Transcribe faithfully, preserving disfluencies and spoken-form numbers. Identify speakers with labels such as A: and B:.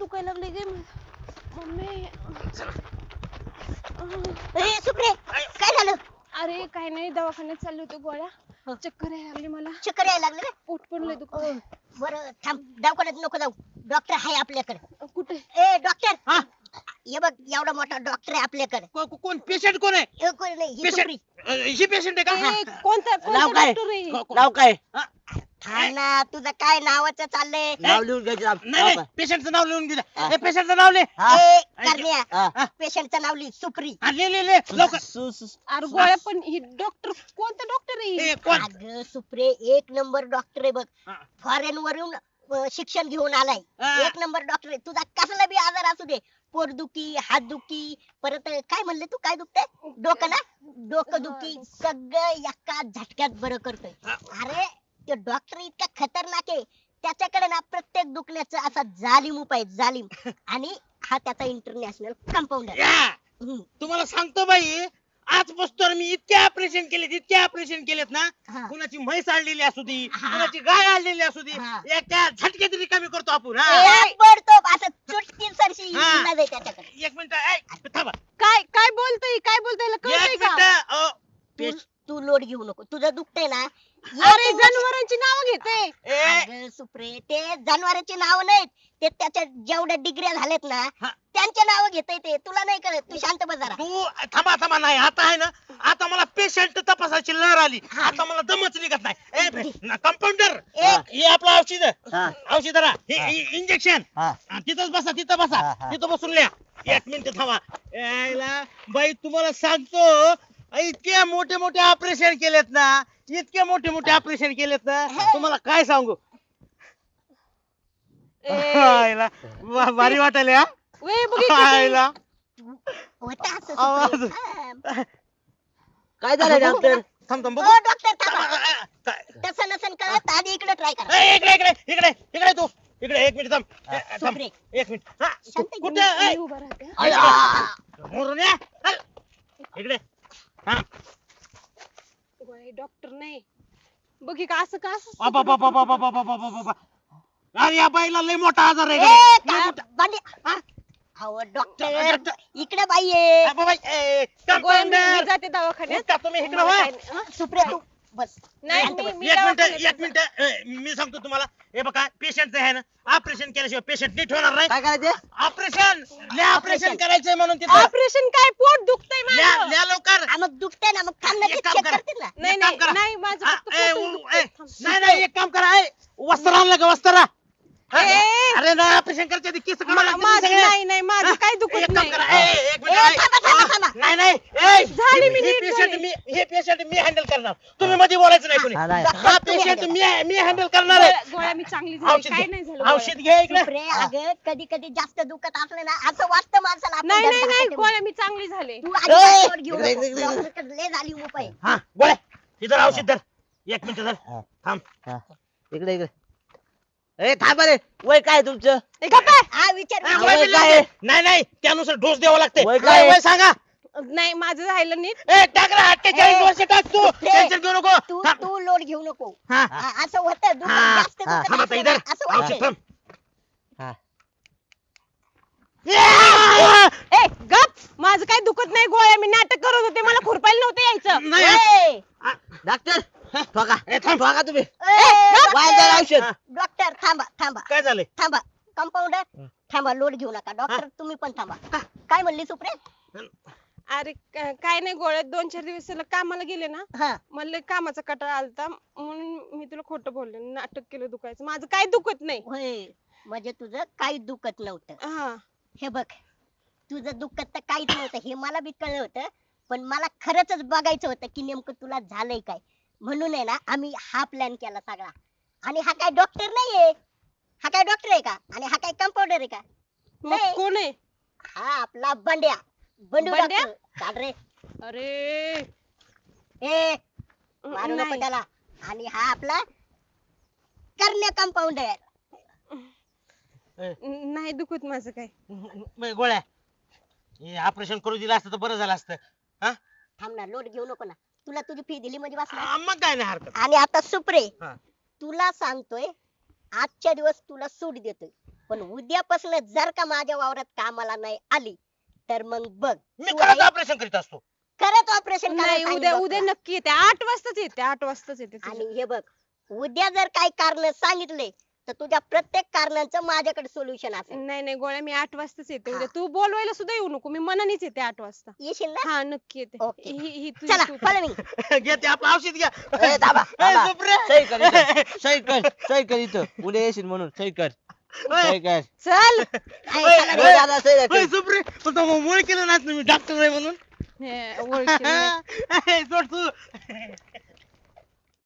A: दुखायला लागले गे मम्मी.
B: ए सुप्रे काय झालं?
A: अरे काय नाही, दवाखान्यात चालले होते, गोळ्या
B: हं.
A: चक्कर यायला लागली मला,
B: चक्कर यायला लागले?
A: पोट पण लय दुखत.
B: बरं थांब, दवाखान्यात नको जाऊ, डॉक्टर आहे आपल्याकडे.
A: कुठे?
B: ए डॉक्टर,
C: हा?
B: ये बघ एवढा मोठा डॉक्टर आहे आपल्याकडे.
C: को- को- कोण पेशंट कोण आहे?
B: हे कोणी नाही, ही
C: पेशंट
B: सुप्री.
C: ही पेशंट आहे का?
A: ए, कोणता कोणता
D: नाव काय?
A: डॉक्टर आहे?
C: को- को-
D: नाव काय?
B: थांब ना, तुझं काय नावाचं चाललंय?
D: नाव लिहून घ्यायचं आप-
C: नाही
D: नाव
C: नाही
D: काय?
C: पेशंटचं नाव लिहून घे.
D: हा.
C: ए पेशंटचं नाव लिह.
D: हा,
B: ए करण्या,
D: हा.
B: पेशंटचं नाव लिह, सुप्री.
C: हा, लिह लिह लिह लवकर.
D: सु- सु-
A: अरे गोळ्या पण ही डॉक्टर कोणता डॉक्टर आहे?
C: ए कोण?
B: अगं सुप्रे एक नंबर डॉक्टर आहे बघ,
C: हा.
B: फॉरेन वरून अं, शिक्षण घेऊन आलाय.
C: हा.
B: एक नंबर डॉक्टर आहे. तुझा कसला बी आजार असू दे, पोटदुखी, हातदुखी, परत काय म्हणले तू, काय दुखतंय? डोकं ना, डोकं दुखी, सगळं एका झटक्यात बरं करतोय. अरे तो डॉक्टर इतका खतरनाक आहे, त्याच्याकडे ना प्रत्येक दुखण्याचा असा जालिम उपाय आहे, जालिम. आणि हा त्याचा इंटरनॅशनल कंपाऊंडर.
C: या तुम्हाला सांगतो बाई, आजपासून मी इतके ऑपरेशन केलेत, इतके ऑपरेशन केलेत ना,
B: हा.
C: कुणाची म्हैस आणलेली असू दे,
B: हा.
C: कुणाची गाय आणलेली असू दे,
B: हा.
C: एका झटक्यात रिकामी करतो आपण. हा.
B: पडतो असं चुटकी सरशी
C: हा.
B: इलाज आहे त्याच्याकडे.
C: एक मिनिट ऐ, थांबा
A: काय काय बोलतोय, काय बोलतोय, कळतंय
C: एक
A: का?
C: मिनिट अ,
B: तू
C: पेश-
B: तू लोड घेऊ नको, तुझं दुखतंय ना.
A: अरे
B: एक
A: जनावरांची नाव घेते.
C: ए,
B: अगं सुप्रे, ते जनावरांची नाव नाहीत, ते त्याच्या जेवढ्या डिग्र्या झाल्यात ना
C: हा.
B: त्यांचे नाव घेतय ते. तुला नाही कळत, तू शांत बस जरा.
C: तू थांबा थांबा नाही आता आहे ना, आता मला पेशंट तपासायची लहर आली, आता मला दमच निघत नाही. कंपाऊंडर
B: एक
C: हे आपलं औषध,
D: हा.
C: औषध इंजेक्शन
D: हा.
C: तिथंच बसा, तिथं बसा,
D: हा, हा.
C: तिथं बसून लिहा. एक मिनिट थांबा. यायला बाई तुम्हाला सांगतो, इतके मोठे मोठे ऑपरेशन केलेत ना, इतके मोठे मोठे ऑपरेशन केलेत ना, तुम्हाला काय सांगू.
A: ए,
C: यायला वा- भारी वाटायला हा?
A: वे बघितलं
C: यायला
B: होता असं
C: आवाज.
B: सुप्रे. हा.
D: काय झालं डॉक्टर?
C: थांब थांब
B: ओ
C: बघू.
B: डॉक्टर थांबा.
C: काय?
B: तसं नसन कळत, आधी इकडे ट्राय करा.
C: ए, इकडे इकडे इकडे इकडे तू इकडे एक मिनिट थांब. ए, थांब
B: सुप्रे.
C: एक मिनिट. हा,
B: शांत घे.
C: कुठे ए,
A: मी उभा राहते हा.
D: अय्या!
C: मोरून या. हल. इकडे हा.
A: गोळ्या डॉक्टर नाही, बघी का असं का असं
C: बाबा बाबा बाबा बाबा बाबा बाबा. अरे या बाईला लय मोठा आजार आहे
B: ए,
C: का? लय
B: का-
C: मोठा.
B: बांधे.
C: हा?
B: अहो डॉक्टर,
C: डॉक्टर.
B: इकडे बाई आहे.
C: हा, बाबा ए,
A: गोळ्या मी- मी
C: कंपाऊंडर.
A: जाते दवाखान्यात.
C: उठा तुम्ही इकडे
A: मला
C: वा.
A: काय नाही, हा?
B: सुप्रे तू बस.
A: नाही
B: शांत
A: मी
B: बस.
A: मी
C: एक मिनिट
A: दवाखान्यात
C: एक मिनिट ए, मी सांगतो तुम्हाला, हे बघा पेशंट आहे ना, ऑपरेशन केल्याशिवाय पेशंट नीट होणार नाही.
D: काय करायचं?
C: Operation operation
B: Operation.
C: करायचंय म्हणून तिथं
A: ऑपरेशन काय, पोट दुखतंय
C: ल्या
A: माझं.
C: ल्या लवकर.
B: हा, मग दुखतंय ना, मग थांब ना,
C: एक
B: ते
C: काम
B: check
C: करा.
B: करतील ना.
A: नाही
C: एक काम
A: नाही
C: करा.
A: नाही माझं
C: हा,
A: फक्त
C: ए,
A: पोटच
C: उ-
A: दुखतंय.
C: ए,
A: थांब.
C: नाही नाही एक काम करा, ए, वस्त्र आणलं का वस्त्र? हा?
A: ए.
C: अरे नाही ऑपरेशन करायच्या आधी केस काढावं
A: मा-
C: लागतील
A: माझं
C: सगळे.
A: नाही नाही माझं काय
C: एक
A: दुखत
C: काम
A: नाही.
C: करा, ए, एक मिनिट,
B: ए,
C: ए,
B: थांबा, थांबा, थांबा.
C: नाही नाही ए,
A: झाली मी
C: हे
A: नीट
C: पेशंट
A: झाली.
C: मी हे पेशंट मी हँडल करणार, तुम्ही मध्ये बोलायचं नाही कोणी.
D: हा, नाही.
B: डॉक्टर,
C: हा
B: तुम्ही
C: पेशंट
B: handle
C: मी मी हँडल करणार आहे.
A: गोळ्या गोळ्या मी चांगली झाली,
C: औषध
A: काय
C: घे.
A: नाही झालं गोळ्या.
C: औषध घे इकडे.
B: सुप्रे, अगं कधी कधी जास्त दुखत असलं ना, असं वाटतं माणसाला आपण
A: नाही नाही
B: धडधाकट
A: नाही
B: आहे
A: गोळ्या मी चांगली झाले.
B: तू आधी लोड घेऊ
D: इकडे,
B: नको.
D: इकडे, इकडे.
B: डॉक्टरकडे लय झाली उपाय.
C: हा गोळ्या इधर औषध धर. एक मिनिट धर.
D: हा.
C: थांब.
D: हा. इकडे इकडे. ए थांबा रे, वय काय तुमचं?
A: ए, गप्प आहे.
B: हा विचार
C: ए,
B: विचार.
C: गोळ्या
D: वय
C: दिली
D: काय?
C: लागते. नाही नाही त्यानुसार डोस द्यावा लागते.
D: वय
C: काय
D: काय?
C: वय सांगा.
A: नाही माझं राहिलं नीट.
C: ए टाक रे अठ्ठेचाळीस
B: ए,
C: वर्ष टाक तू.
B: सुप्रे.
C: टेन्शन घेऊ नको.
B: तू
C: थांब.
B: तू लोड घेऊ नको.
C: हा
B: हा, असं होतं दुखत
C: हा,
B: जास्त
D: हा.
B: दुखत
C: थांब आता
B: असलं
C: इधर.
B: ना, असं
C: औषध
B: होतं.
C: थांब.
D: हा.
C: या!
A: ए गप, माझं काय दुखत नाही, गोळ्या मी नाटक करत होते, मला खुरपायला नव्हतं यायचं.
C: नाही.
B: ए,
D: डॉक्टर ठोका
C: ए, थांब.
D: ठोका तुम्ही.
B: ए,
D: वाया जाईल
B: डॉक्टर,
D: औषध.
B: डॉक्टर थांबा थांबा
C: काय झालंय?
B: थांबा. कंपाऊंडर थांबा, लोड घेऊ नका. डॉक्टर तुम्ही पण थांबा. काय म्हणली सुप्रे?
A: अरे का- काय नाही गोळ्या, दोन चार दिवस त्याला कामाला गेले ना,
B: हा,
A: मला लय कामाचा कटाळा आलता, म्हणून मी तुला खोटं बोलले, नाटक केलं दुखायचं. माझं काय दुखत नाही.
B: होय. म्हणजे तुझं काही दुखत नव्हतं.
A: हा
B: हे बघ, तुझं दुखत तर काहीच नव्हतं हे मला बी कळलं होतं, पण मला खरंच बघायचं होतं की नेमकं तुला झालंय काय. म्हणून आहे ना आम्ही हा प्लॅन केला सगळा. आणि हा काय डॉक्टर नाहीये, हा काय डॉक्टर आहे का? आणि हा काय कंपाऊंडर आहे का?
A: मग
B: नाही.
A: कोण आहे?
B: हा आपला बंड्या. बंडू
A: बंड्या?
B: डॉक्टर. चाल रे.
A: अरे
B: ए मारू नको
A: नाही.
B: त्याला. आणि हा आपला करण्या कंपाऊंडर.
A: नाही दुखत माझं काय.
C: म- गोळ्या हे ऑपरेशन करू दिलं असतं तर बरं झालं असतं. हा?
B: थांब ना, लोड घेऊ नको ना. तुला तुझी फी दिली म्हणजे बस ना.
C: आ, मग काय नाही हरकत.
B: आणि आता सुप्रे,
C: हा.
B: तुला सांगतोय आजच्या दिवस तुला सूट देतोय. पण उद्यापासून जर का माझ्या वावरात कामाला नाही आली तर मग बघ
C: मी
B: तू
C: खरंच
B: आहे,
C: ऑपरेशन करीत असतो.
B: खरंच ऑपरेशन
A: नाही उद्या उद्या नक्की येते आठ वाजताच येते आठ वाजताच येते तुझं.
B: आणि हे बघ उद्या जर काही कारण सांगितले तर तुझ्या प्रत्येक कारणांचं माझ्याकडे सोल्युशन असेल.
A: नाही नाही गोळ्या मी आठ वाजताच येते उद्या
B: हा.
A: तू बोलवायला सुद्धा येऊ नको मी मनानेच येते आठ वाजता
B: येशील ना?
A: हा नक्की येते
B: ओके.
A: ही ही तुझी
B: चला
A: तू-
B: follow me.
C: घे ते आपलं औषध घ्या.
D: ए, थांबा,
C: ए,
D: थांबा.
C: सुप्रे.
D: सही कर इथं. सही कर सही कर इथं उद्या येशील म्हणून सही कर सही कर
A: चल
B: ऐ,
C: ओय,
B: चला
D: ए,
B: रे.
D: दादा सही कर.
C: ओय, सुप्रे पण तो मुळे केलं नाही तुम्ही डॉक्टर आहे म्हणून.
A: हे, ओळखी नाही.
C: ए, सोड तू